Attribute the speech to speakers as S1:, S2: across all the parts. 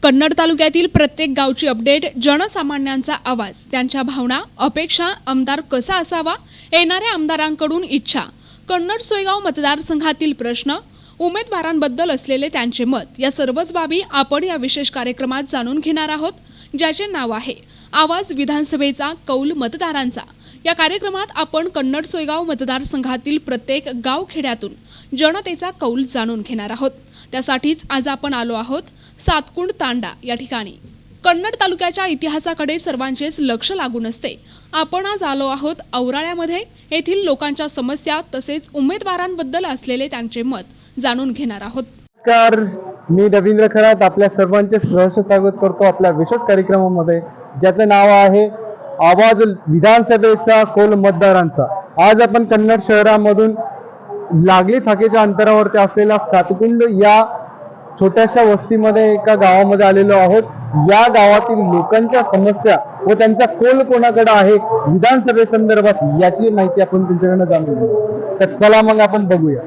S1: कन्नड तालुक्यातील प्रत्येक गावची अपडेट, जनसामान्यांचा आवाज, त्यांच्या भावना, अपेक्षा, आमदार कसा असावा, येणाऱ्या आमदारांकडून इच्छा, कन्नड सोयगाव मतदारसंघातील प्रश्न, उमेदवारांबद्दल असलेले त्यांचे मत, या सर्वच बाबी आपण या विशेष कार्यक्रमात जाणून घेणार आहोत, ज्याचे नाव आहे आवाज विधानसभेचा कौल मतदारांचा। या कार्यक्रमात आपण कन्नड सोयगाव मतदारसंघातील प्रत्येक गावखेड्यातून जनतेचा कौल जाणून घेणार आहोत। त्यासाठीच आज आपण आलो आहोत सातकुंड तांडा या ठिकाणी। कन्नड तालुक्याच्या इतिहासाकडे सर्वांचेच लक्ष लागून असते। आपण आज आलो आहोत औराळ्यामध्ये। येथील लोकांच्या समस्या तसेच उमेदवारांबद्दल असलेले त्यांचे मत जाणून घेणार आहोत।
S2: नमस्कार, मी रवींद्र खरात आपल्या सर्वांचे सहर्ष स्वागत करतो आपल्या विशेष कार्यक्रमामध्ये, ज्याचं नाव आहे आवाज विधानसभेचा कौल मतदारांचा। आज आपण कन्नड शहरामधून लागली थाकेच्या अंतरावरती असलेल्या सातकुंड या छोट्याशा वस्तीमध्ये एका गावामध्ये आलेलो आहोत। या गावातील लोकांच्या समस्या व त्यांचा कौल कोणाकडे आहे विधानसभेसंदर्भात याची माहिती आपण त्यांच्याकडनं जाणून घेऊ। तर चला मग आपण बघूया।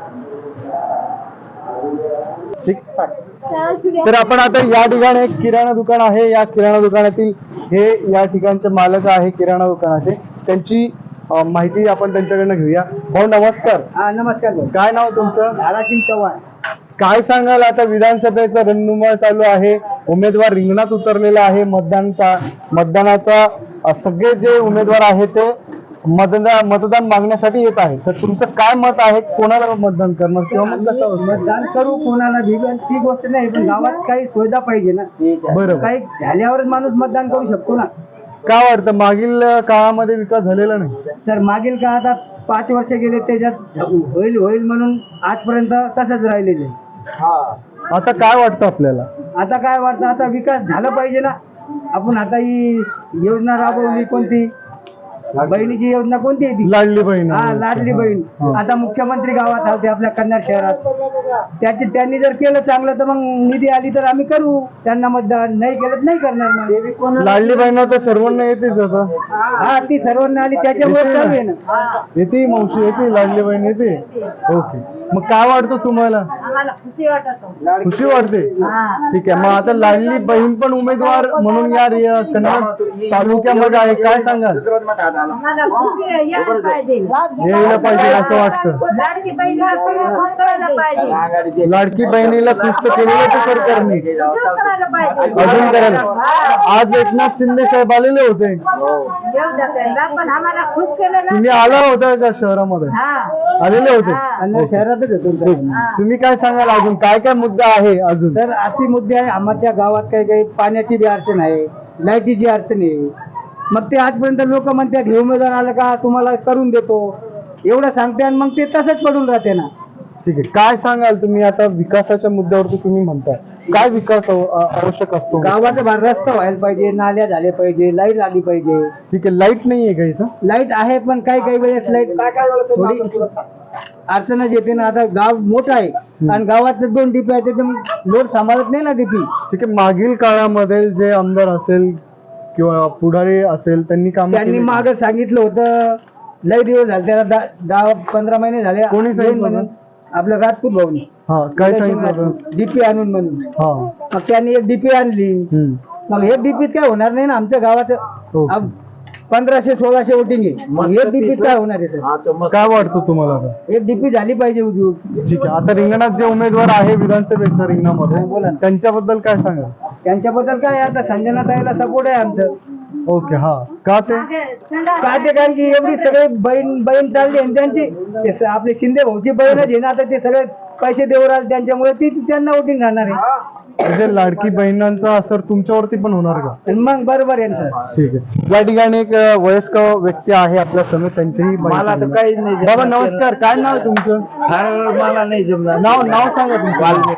S2: तर आपण आता या ठिकाणी एक किराणा दुकान आहे, या किराणा दुकानातील हे या ठिकाणचे मालक आहे किराणा दुकानाचे, त्यांची माहिती आपण त्यांच्याकडनं घेऊया। भाऊ नमस्कार।
S3: नमस्कार भाऊ।
S2: काय नाव तुमचं?
S3: धारासिंग चव्हाण।
S2: काय सांगाल, आता विधानसभेचा रणधुमाळ चालू आहे, उमेदवार रिंगणात उतरलेला आहे, मतदानाचा सगळे जे उमेदवार आहेत ते मतदान मागण्यासाठी येत आहे। तर तुमचं काय मत आहे, कोणाला मतदान करणार किंवा
S3: मतदान करू कोणाला भिगन ती गोष्ट नाही, पण गावात काही सुविधा पाहिजे ना।
S2: बरोबर,
S3: काही झाल्यावरच माणूस मतदान करू शकतो ना।
S2: काय वाटतं मागील काळामध्ये विकास झालेला नाही?
S3: तर मागील का आता 5 वर्ष गेले त्याच्यात होईल म्हणून आजपर्यंत तसंच राहिलेले।
S2: आता काय वाटतं आपल्याला?
S3: आता काय वाटतं, आता विकास झाला पाहिजे ना। आपण आता ही योजना राबवली, कोणती बहिणीची योजना कोणती आहे ती?
S2: लाडली बहीण।
S3: हा, लाडली बहीण। आता मुख्यमंत्री गावात आलते आपल्या कन्नड शहरात, त्यांनी जर केलं चांगलं तर मग निधी आली तर आम्ही करू त्यांना मतदान, नाही केलं नाही करणार मग।
S2: लाडली बहीण तर सर्वांना येतेच आता।
S3: हा, ती सर्वांना आली त्याच्यामुळे चालू आहे ना।
S2: येते मावशी, येते लाडली बहीण येते। ओके, मग काय वाटतं तुम्हाला? खुशी वाटते। ठीक आहे, मग आता लाडली बहीण पण उमेदवार म्हणून या कन्नड तालुक्यामध्ये आहे, काय सांगाल? यायला पाहिजे असं वाटतं। लाडकी बहिणीला खुश तर केलेलं ते सरकारने, अजून करायला। आज एकनाथ शिंदे साहेब आलेले होते, तुम्ही आला होता का शहरामध्ये? आलेले होते,
S3: शहरातच होतो।
S2: तुम्ही काय सांगाल, अजून काय काय मुद्दा आहे अजून?
S3: तर अशी मुद्दे आहे आमच्या गावात, काही पाण्याची बी अडचण आहे, लाईटीची अडचण आहे। मग ते आजपर्यंत लोक म्हणतात हे उमेदवार आलं का तुम्हाला करून देतो एवढं सांगते, आणि मग ते तसंच पडून राहते ना।
S2: ठीक आहे, काय सांगाल तुम्ही आता विकासाच्या मुद्द्यावरती तुम्ही म्हणताय, काय विकास आवश्यक असतो?
S3: गावाचा भाग रस्ता व्हायला पाहिजे, नाल्या झाले पाहिजे, लाईट आली पाहिजे।
S2: ठीक आहे, लाईट नाहीये का इथं?
S3: लाईट आहे पण काही वेळेस लाईट थोडी अडचणच येते ना। आता गाव मोठं आहे आणि गावात 2 डीपी आहेत, तर लोड सांभाळत नाही ना डीपी।
S2: ठीक आहे, मागील काळामध्ये जे आमदार असेल किंवा पुढारी असेल त्यांनी
S3: मागं सांगितलं होतं, लय दिवस झाले त्याला, 10-15 महिने झाले।
S2: कोणी सांगितलं म्हणून?
S3: आपलं राजपूत भाऊनी।
S2: हा, काय सांगितलं?
S3: डीपी आणून म्हणून।
S2: हा,
S3: मग त्यांनी एक डीपी आणली, मग हे डीपीत काय होणार नाही ना आमच्या गावाचं। 1500-1600 वोटिंग आहे, मग एक डीपीत काय होणार आहे सर?
S2: काय वाटतं तुम्हाला आता?
S3: एक डीपी झाली पाहिजे उद्योग।
S2: ठीक आहे, आता रिंगणात जे उमेदवार आहे विधानसभेच्या रिंगणामध्ये,
S3: बोला,
S2: त्यांच्याबद्दल काय सांगा?
S3: त्यांच्याबद्दल काय, आता संजना ताईला सपोर्ट आहे आमचं।
S2: ओके, हा, का ते?
S3: कारण की एवढी सगळे बहीण चालली आणि त्यांची आपले शिंदे भाऊची बहीणच आहे ना, आता ते सगळे पैसे देऊ राहिले त्यांच्यामुळे ती त्यांना वोटिंग घालणार आहे।
S2: म्हणजे लाडकी बहिणांचा असर तुमच्यावरती पण होणार का?
S3: मग बरोबर आहे सर।
S2: ठीक आहे, या ठिकाणी एक वयस्कर व्यक्ती आहे आपल्या समोर, त्यांचीही
S3: मला तर काही नाही।
S2: बाबा नमस्कार, काय नाव आहे तुमचं?
S3: मला नाही जमणार।
S2: नाव सांगा तुमचं।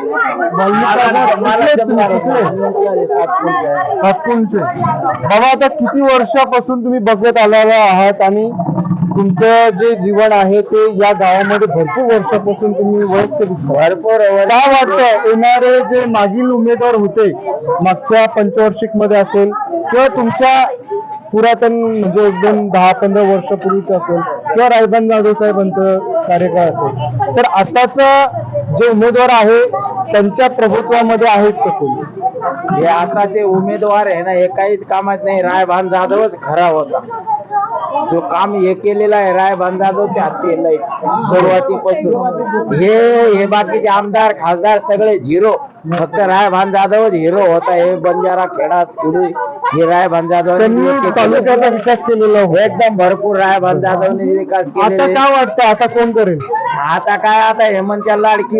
S2: बाबा, आता किती वर्षापासून तुम्ही बघत आलेला आहात आणि तुमचं जे जीवन आहे ते या गावामध्ये भरपूर वर्षापासून तुम्ही वयस्क दिसता। काय वाटतं, येणारे जे मागील उमेदवार होते मागच्या पंचवार्षिक मध्ये असेल किंवा तुमच्या पुरातन म्हणजे 10-15 वर्षापूर्वीच असेल किंवा रायबंद जाधव साहेबांचं कार्यकाळ असेल, तर आताचा जे उमेदवार आहे त्यांच्या प्रभुत्वामध्ये आहेत का कोणी?
S4: हे आताचे उमेदवार आहे ना, हे काहीच कामात नाही. रायभान जाधवच खरा होता. जो काम हे केलेला आहे रायभान जाधव ते केलंय सुरुवातीपासून. हे बाकीचे आमदार खासदार सगळे झिरो. फक्त रायभान जाधवच हिरो होता. हे बंजारा खेडा खेडू हे रायभान जाधव
S2: त्यांनी तालुक्याचा विकास केलेला आहे.
S4: एकदम भरपूर रायभान जाधवने विकास
S2: आता
S4: केलेला आहे.
S2: काय वाटतं आता कोण करेल?
S4: आता काय आता हेमंतच्या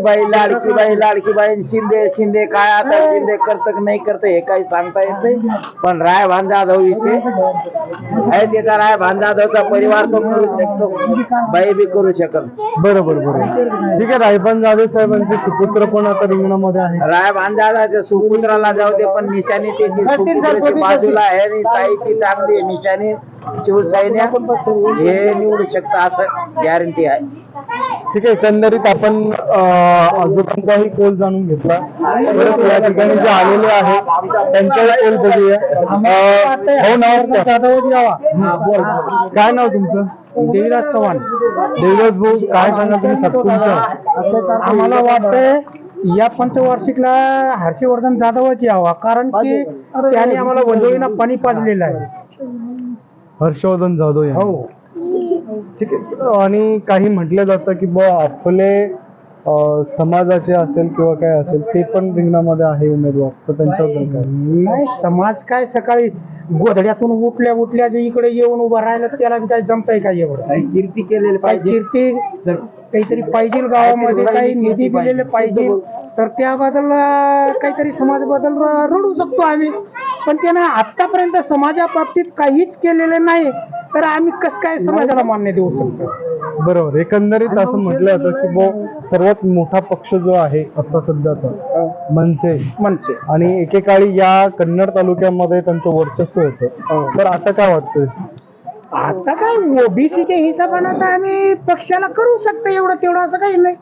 S4: लाडकीबाई शिंदे काय आता शिंदे करत नाही करत हे काही सांगता येत नाही. पण रायभान जाधव विषय आहे त्याचा. रायभान जाधवचा परिवार तो करू शकतो, बाई बी करू शकत.
S2: बरोबर ठीक आहे. रायभान जाधव साहेबांचे सुपुत्र पण आता रिंगणामध्ये आहे.
S4: रायभान जाधवच्या सुपुत्राला जाऊ दे, पण निशाणी त्याची सुपुत्राची बाजूला आहे आणि ताईची चांगली आहे निशाणी. शिवसैन्या हे निवडू शकतं असं गॅरंटी आहे.
S2: ठीक आहे. एकंदरीत आपण आजोबांचाही कोल जाणून घेतला. परत या ठिकाणी जे आलेले आहेत त्यांचाही कोल बघूया. हो नमस्कार. काय नाव तुमचं?
S3: देवीराज चव्हाण.
S2: देवराज भाऊ काय सांगा तुम्ही तुमचं?
S3: आम्हाला वाटतंय या पंचवार्षिकला हर्षवर्धन जाधवच यावा, कारण की त्याने आम्हाला वंजोळीला पाणी पाजलेलं आहे.
S2: हर्षवर्धन जाधव यांनी.
S3: हो.
S2: ठीक आहे. आणि काही म्हटलं जातं की आपले समाजाचे असेल किंवा काय असेल ते पण रिंगणामध्ये आहे उमेदवार, तर त्यांच्याबद्दल काय?
S3: नाही, समाज काय सकाळी गोधड्यातून उठल्या जे इकडे येऊन उभं राहिलं त्याला काय जमतंय काय एवढं?
S4: काही कीर्ती केलेली
S3: काही
S4: पाहिजे.
S3: कीर्ती काहीतरी पाहिजे गावामध्ये, काही निधी दिलेले पाहिजे, तर त्याबद्दल काहीतरी समाजाबद्दल रडू शकतो आम्ही. पण त्यानं आतापर्यंत समाजाबाबतीत काहीच केलेलं नाही, तर आम्ही कसं काय समाजाला मान्य देऊ शकतो?
S2: बरोबर. एकंदरीत असं म्हटलं जातं की सर्वात मोठा पक्ष जो आहे आता सध्याचा मनसे, आणि एकेकाळी या कन्नड तालुक्यामध्ये त्यांचं वर्चस्व होतं. तर आता काय वाटतंय?
S3: आता काय ओबीसीच्या हिशोबानं तर आम्ही पक्षाला करू शकतो एवढं तेवढं, असं काही नाही.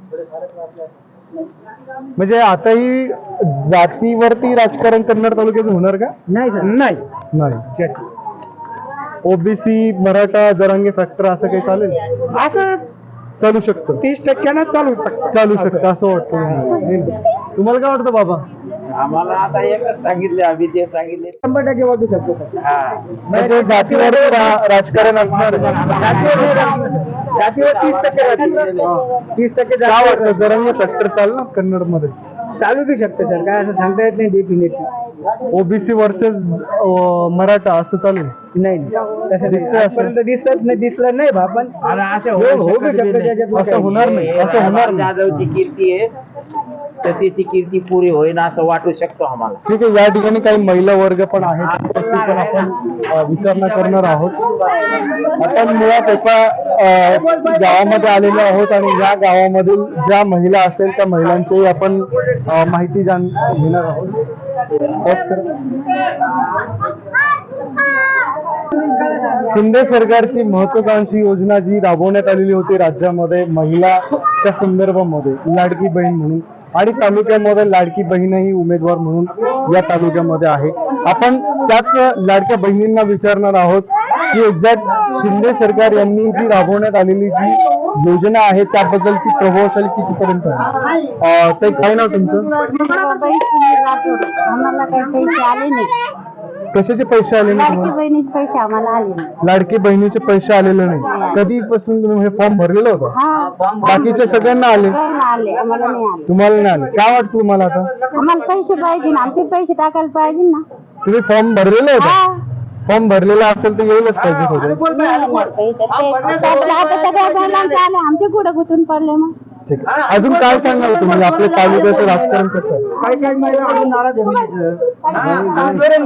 S2: म्हणजे आताही जातीवरती राजकारण कन्नड तालुक्याचं होणार का? नाही. ओबीसी मराठा जरांगे फॅक्टर असं काही चालेल?
S3: असं
S2: चालू शकतं.
S3: 30% चालू शकतं
S2: असं वाटतं. तुम्हाला काय वाटतं बाबा?
S4: आम्हाला आता एकच सांगितले, आम्ही ते सांगितले
S3: 100% वाटू शकतो.
S2: म्हणजे जातीवर राजकारण असणार?
S3: जातीवर 30%
S2: काय वाटतं जरांगे फॅक्टर चालणार कन्नड मध्ये?
S3: चालू बी शकतं सर, काय असं सांगता येत नाही डेफिनेटली.
S2: ओबीसी वर्सेस मराठा असं चालेल?
S3: नाही, तसं दिसतं आजपर्यंत दिसलं नाही बा. पण
S4: असं
S3: होऊ शकतं त्याच्यात.
S2: असं होणार नाही.
S4: जाधवची कीर्ती आहे तर त्याची कीर्ती पुरी होईन असं वाटू शकतो आम्हाला.
S2: ठीक आहे. या ठिकाणी काही महिला वर्ग पण आहेत, त्याची पण आपण विचारणा करणार आहोत. आपण मुळात एका गावामध्ये आलेलो आहोत आणि या गावामधील ज्या महिला असेल त्या महिलांची आपण माहिती घेणार आहोत. शिंदे सरकारची महत्वाकांक्षी योजना जी राबवण्यात आलेली होती राज्यामध्ये महिलाच्या संदर्भामध्ये, लाडकी बहीण म्हणून, आणि तालुक्यामध्ये लाडकी बहीणही उमेदवार म्हणून या तालुक्यामध्ये आहे. आपण त्याच लाडक्या बहिणींना विचारणार आहोत की एक्झॅक्ट शिंदे सरकार यांनी जी राबवण्यात आलेली जी योजना आहे त्याबद्दलची प्रभावशाली कितीपर्यंत आहे? ते काय नाव तुमचं?
S5: आम्हाला काही पैसे आले नाही.
S2: कशाचे पैसे आले नाही
S5: लाडकी
S2: तुम्हाला?
S5: बहिणीचे पैसे आम्हाला आले नाही.
S2: लाडकी बहिणीचे पैसे आलेले नाही. कधीपासून तुम्ही हे फॉर्म भरलेलं होतं?
S5: हा,
S2: बाकीच्या सगळ्यांना आले,
S5: सगळ्यांना आले, आम्हाला नाही आले.
S2: तुम्हाला नाही आले. काय वाटतं तुम्हाला आता?
S5: आम्हाला पैसे पाहिजे ना, आमचे पैसे टाकायला पाहिजे ना.
S2: तुम्ही फॉर्म भरलेलं होतं?
S5: हा.
S2: फॉर्म भरलेला असेल तर येईलच पाहिजे थोडं.
S5: नाही, पैसे ते आता सगळ्या महिलांचे आले, आमचे कुठं गुतून पडले मग.
S2: ठीक आहे. अजून काय सांगाल तुम्ही? आपल्या तालुक्याचं राजकारण कसं आहे?
S3: काही महिला अजून नाराज आहे.
S5: हा? सगळ्या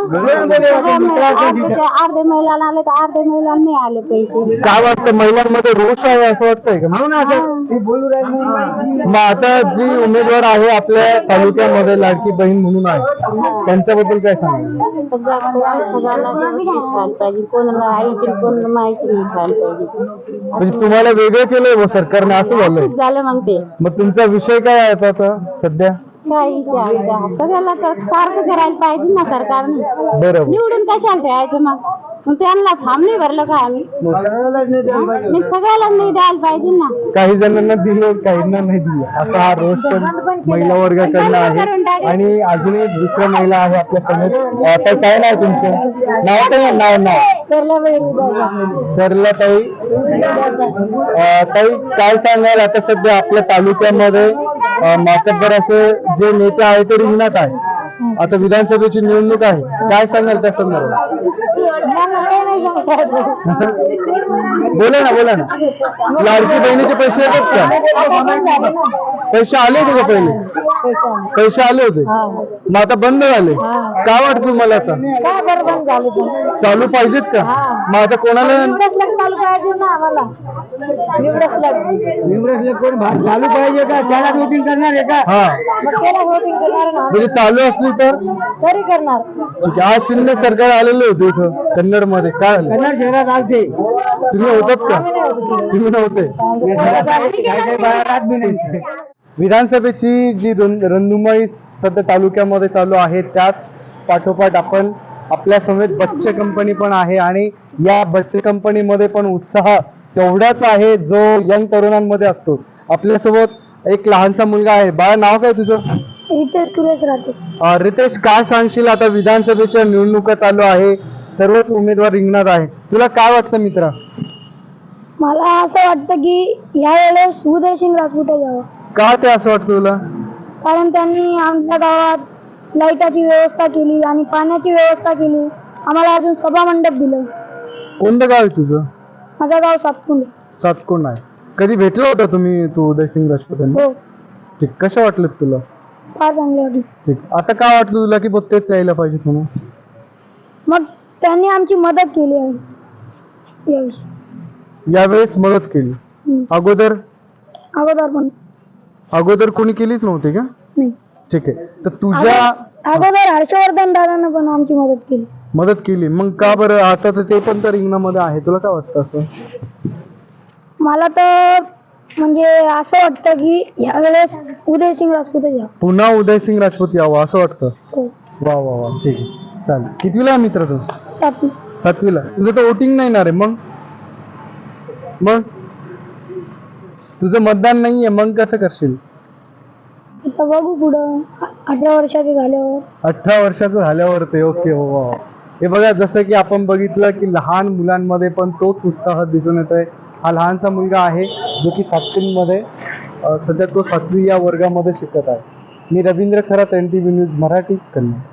S5: महिला अर्धे महिलाला आले तर अर्धे महिलाला नाही आले पैसे.
S2: काय वाटतं महिलांमध्ये रोष आहे असं वाटतंय का?
S3: ते बोलू राहिले.
S2: मग आता जी उमेदवार आहे आपल्या तालुक्यामध्ये लाडकी बहीण म्हणून आहे, त्यांच्याबद्दल काय सांगाल?
S5: सगळ्यांना व्यवस्थित खायला पाहिजे, कोणाला आईची कोणाला माहिती नाही खायला पाहिजे.
S2: म्हणजे तुम्हाला वेगळं केलंय व सरकारने असं झालंय?
S5: झालं मग ते
S2: मग तुमचा विषय काय आहे आता सध्या?
S5: काय विचारायचं सगळ्याला तर सारखं करायला पाहिजे ना सरकारने.
S2: बरोबर.
S5: निवडून कशाला ठेवायचं मग त्यांना फॉर्म नाही भरलं का आम्ही मी सगळ्याला नाही द्यायला पाहिजे ना.
S2: काही जणांना दिले काहींना नाही दिले असा हा रोज पण महिला वर्गाकडनं आहे. आणि अजून एक दुसऱ्या महिला आहे आपल्या समोर. आता काय नाव तुमचं? नाव काय? नाव सरला ताई. ताई काय सांगाल आता सध्या आपल्या तालुक्यामध्ये मातब्बर असे जे नेते आहे ते रिंगणात आहे. आता विधानसभेची निवडणूक आहे, काय सांगाल त्या संदर्भात? बोला ना. लाडकी बहिणीचे पैसे येतात का? पैसे आले होते का पहिले? पैसे आले होते, मग आता बंद झाले. काय वाटतं तुम्हाला आता? चालू पाहिजेत का? मग आता कोणाला
S3: निवडणूक कोण चालू पाहिजे का? त्याला वोटिंग करणार आहे का?
S2: हा म्हणजे चालू असली तर
S5: तरी करणार.
S2: ठीक आहे. आज शिंदे सरकार आलेले होते इथं कन्नड मध्ये, काय झालं?
S3: कन्नड शहरात आलते.
S2: तुम्ही होतात का? तुम्ही नव्हते. विधानसभेची जी रणधुमाळी सध्या तालुक्यामध्ये चालू आहे त्याच पाठोपाठ आपण आपल्या समेत बच्चे कंपनी पण आहे. आणि या बच्चे कंपनीमध्ये पण उत्साह तेवढाच आहे जो यंग तरुणांमध्ये असतो. आपल्यासोबत एक लहानसा मुलगा आहे. बाळा, नाव काय तुझं? रितेश, काय सांगशील? आता विधानसभेच्या निवडणुका चालू आहे, सर्वच उमेदवार रिंगणात आहे, तुला काय वाटतं मित्रा?
S6: मला असं वाटतं की यावेळेस उदयसिंग राजपूत यावं.
S2: का ते असं वाटतं तुला?
S6: कारण त्यांनी आमच्या गावात लाईटाची व्यवस्था केली आणि पाण्याची व्यवस्था केली. आम्हाला अजून सभा मंडप दिलं.
S2: कोणतं गाव आहे तुझं?
S6: माझं गाव सातपुंडे.
S2: सातकोंड आहे. कधी भेटला होता तुम्ही तू उदयसिंग राजपूतांना?
S6: हो,
S2: ठीक. कशा वाटलं तुला?
S6: फार चांगलं वाटलं.
S2: ठीक. आता काय वाटलं तुला की बघ तेच यायला पाहिजे म्हणून?
S6: मग त्यांनी आमची मदत केली आहे याविषयी.
S2: यावेळेस मदत केली. अगोदर
S6: अगोदर पण
S2: कोणी केलीच नव्हती का?
S6: नाही.
S2: ठीक आहे. तर तुझ्या
S6: अगोदर हर्षवर्धन दादांना पण आमची मदत केली.
S2: मग का बरं आता तर ते पण तर रिंगणामध्ये आहे, तुला काय वाटतं असं?
S6: मला तर म्हणजे असं वाटतं की यावेळेस उदयसिंग राजपूत यावं.
S2: पुन्हा उदयसिंग राजपूत यावं असं वाटतं.
S6: हो.
S2: वा वा वा, ठीक आहे. चालेल. कितवीला आहे मित्र तू?
S6: सातवी.
S2: सातवीला. तुझं तर वोटिंग नाही ना रे? मग तुझं मतदान नाहीये, मग कसं करशील?
S6: आता बघू पुढं 18 वर्षाचे झाल्यावर.
S2: 18 वर्षाचं झाल्यावर ते. ओके. हो वा. हे बघा, जसं की आपण बघितलं की लहान मुलांमध्ये पण तोच उत्साह दिसून येतोय. हा लहानसा मुलगा आहे जो की सातवीमध्ये सध्या तो 7वी या वर्गामध्ये शिकत आहे. मी रवींद्र खरात, NTV न्यूज मराठी, कन्नड.